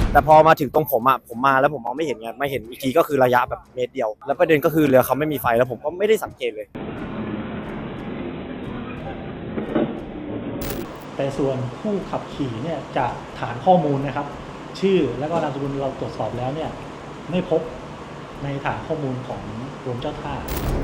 แต่พอมาถึงตรงผมมาแล้วผมมองไม่เห็นไงไม่เห็นอีกทีก็คือระยะแบบเมตรเดียวแล้วประเด็นก็คือเรือเขาไม่มีไฟแล้วผมก็ไม่ได้สังเกตเลยแต่ส่วนผู้ขับขี่เนี่ยจากฐานข้อมูลนะครับชื่อและก็นามสกุลเราตรวจสอบแล้วเนี่ยไม่พบในฐานข้อมูลของกรมเจ้าท่า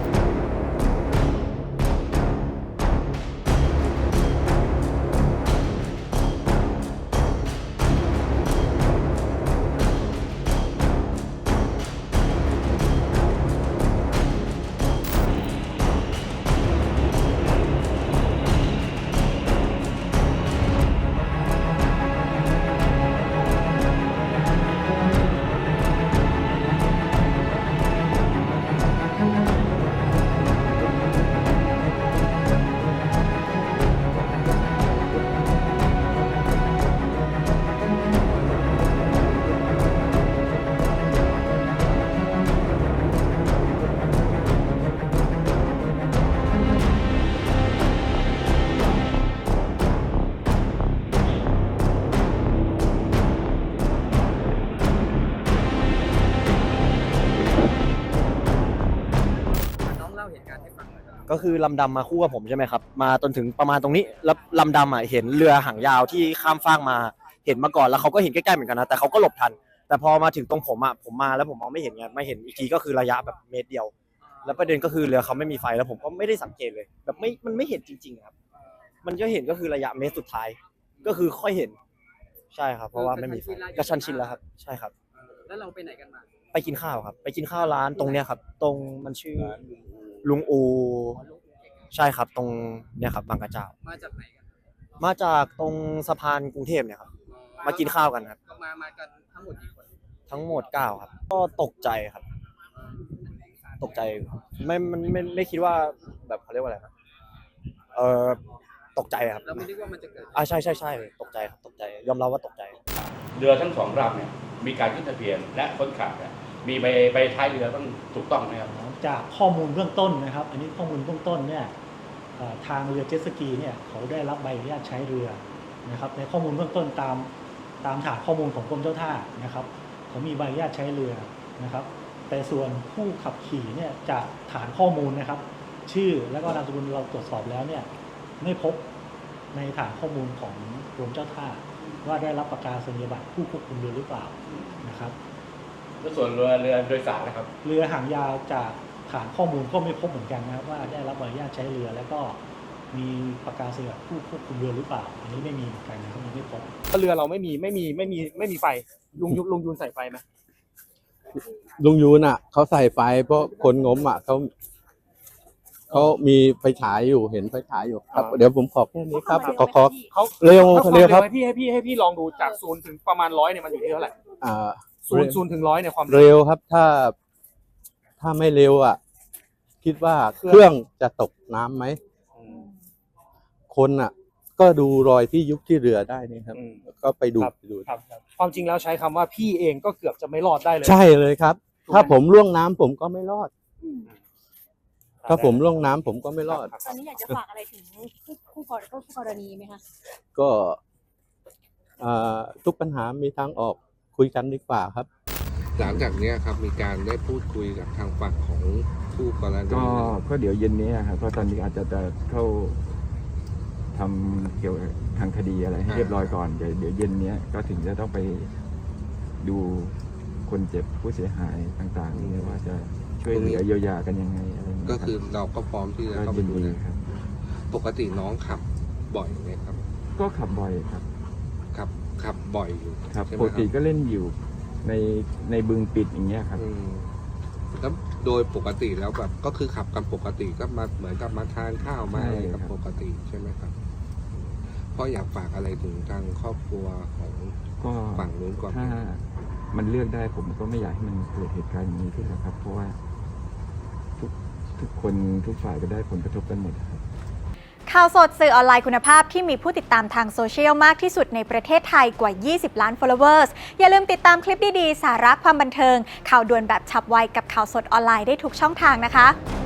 ก็คือลำดำมาคู่กับผมใช่ไหมครับมาจนถึงประมาณตรงนี้แล้วลำดำเห็นเรือหางยาวที่ข้ามฟากมาเห็นมาก่อนแล้วเขาก็เห็นใกล้ๆเหมือนกันนะแต่เขาก็หลบทันแต่พอมาถึงตรงผมมาแล้วผมมองไม่เห็นไงไม่เห็นอีกทีก็คือระยะแบบเมตรเดียวแล้วประเด็นก็คือเรือเขาไม่มีไฟแล้วผมก็ไม่ได้สังเกตเลยแบบมันไม่เห็นจริงๆครับมันก็เห็นก็คือระยะเมตรสุดท้ายก็คือค่อยเห็นใช่ครับเพราะว่าไม่มีไฟกระชั้นชิดแล้วครับใช่ครับแล้วเราไปไหนกันมาไปกินข้าวครับไปกินข้าวร้านตรงเนี้ยครับตรงมันชื่อลุงอูใช่ครับตรงเนี่ยครับบางกระเจ้ามาจากไหนกันมาจากตรงสะพานกรุงเทพเนี่ยครับมากินข้าวกันครับก็มากันทั้งหมดกี่คนทั้งหมด9ครับก็ตกใจครับตกใจไม่คิดว่าแบบเขาเรียกว่าอะไรนะตกใจครับเราไม่นึกว่ามันจะเกิดใช่ตกใจครับตกใจยอมรับว่าตกใจเรือทั้ง2ลำเนี่ยมีการขึ้นทะเบียนและคนขับเนี่ยมีใบท้ายเรือต้องถูกต้องไหมครับจากข้อมูลเบื้องต้นนะครับอันนี้ข้อมูลเบื้องต้นเนี่ยทางเรือเจ็ตสกีเนี่ยเขาได้รับใบอนุญาตใช้เรือนะครับในข้อมูลเบื้องต้นตามฐานข้อมูลของกรมเจ้าท่านะครับเขามีใบอนุญาตใช้เรือนะครับแต่ส่วนผู้ขับขี่เนี่ยจากฐานข้อมูลนะครับชื่อและก็นามสกุลเราตรวจสอบแล้วเนี่ยไม่พบในฐานข้อมูลของกรมเจ้าท่าว่าได้รับประกาศนียบัตรผู้ควบคุมเรือหรือเปล่านะครับแล้วส่วนเรือโดยสารนะครับเรือหางยาวจากฐานข้อมูลก็ไม่พบเหมือนกันนะครับว่าได้รับอนุญาตใช้เรือแล้วก็มีประกาศนียบัตรผู้ควบคุมเรือหรือเปล่าอันนี้ไม่มีเหมือนกันนะครับไม่พบเรือเราไม่มีไฟลุงยูนใส่ไฟไหมลุงยูนเขาใส่ไฟเพราะคนงมเขามีไฟฉายอยู่เห็นไฟฉายอยู่ครับเดี๋ยวผมขอแค่นี้ครับขอเร็วครับให้พี่ลองดูจาก0ถึงประมาณ100เนี่ยมันอยู่ที่เท่าไหร่0ถึง100เนี่ยความเร็วครับถ้าไม่เร็วคิดว่าเครื่องจะตกน้ำไหมคนก็ดูรอยที่ยุบที่เรือได้นี่ครับก็ไปดูครับความจริงแล้วใช้คำว่าพี่เองก็เกือบจะไม่รอดได้เลยใช่เลยครับถ้าผมล่วงน้ำผมก็ไม่รอดถ้าผมล่วงน้ำผมก็ไม่รอดตอนนี้อยากจะฝากอะไรถึงคู่กรณีไหมคะก็ทุกปัญหามีทางออกคุยกันดีกว่าครับหลังจากนี้ครับมีการได้พูดคุยกับทางฝั่งของคู่กรณีก็เดี๋ยวเย็นนี้ครับเพราะตอนนี้อาจจะเข้าทำเกี่ยวกับทางคดีอะไรให้เรียบร้อยก่อนเดี๋ยวเย็นนี้ก็ถึงจะต้องไปดูคนเจ็บผู้เสียหายต่างๆนี่ว่าจะช่วยเหลือเยียวยากันยังไงอะไรก็คือเราก็พร้อมที่จะเข้าไปดูนะครับปกติน้องขับบ่อยไหมครับก็ขับบ่อยครับขับบ่อยอยู่ครับปกติก็เล่นอยู่ในบึงปิดอย่างเงี้ยครับแล้วโดยปกติแล้วแบบก็คือขับกันปกติก็มาเหมือนกับมาทานข้าวมาอะไรกับปกติใช่ไหมครับเพราะอยากฝากอะไรถึงทางครอบครัวของฝั่งนู้นก่อนถ้ามันเลือกได้ผมก็ไม่อยากให้มันเกิดเหตุการณ์อย่างนี้ขึ้นนะครับเพราะว่าทุกคนทุกฝ่ายก็ได้ผลกระทบกันหมดครับข่าวสดสื่อออนไลน์คุณภาพที่มีผู้ติดตามทางโซเชียลมากที่สุดในประเทศไทยกว่า20ล้าน followers อย่าลืมติดตามคลิปดีๆสาระความบันเทิงข่าวด่วนแบบฉับไวกับข่าวสดออนไลน์ได้ทุกช่องทางนะคะ